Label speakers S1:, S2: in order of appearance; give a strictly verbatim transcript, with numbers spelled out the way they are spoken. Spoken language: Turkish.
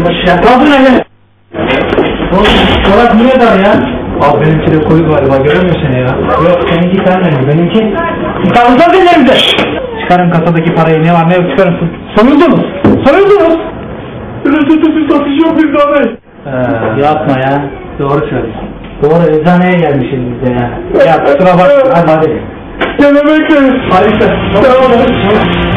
S1: ya. Kaldır hele. Çorap niye dar ya?
S2: Abi benimki de koyu galiba, görüyor musun seni ya?
S1: Yok seninki kalmıyor, benimki. Kaldır ellerimize.
S2: Çıkarın kasadaki parayı, ne var ne yok çıkarın.
S1: Sonuldunuz. Sonuldunuz.
S2: Reçetesiz satış yok bizde abi.
S1: Ee, yapma ya.
S2: Doğru söylüyorsun.
S1: Doğru, eczaneye gelmişiz biz de ya. Ya kusura bakma, hadi hadi.
S2: Gene bekleriz.
S1: Hadi işte.
S2: Tamam.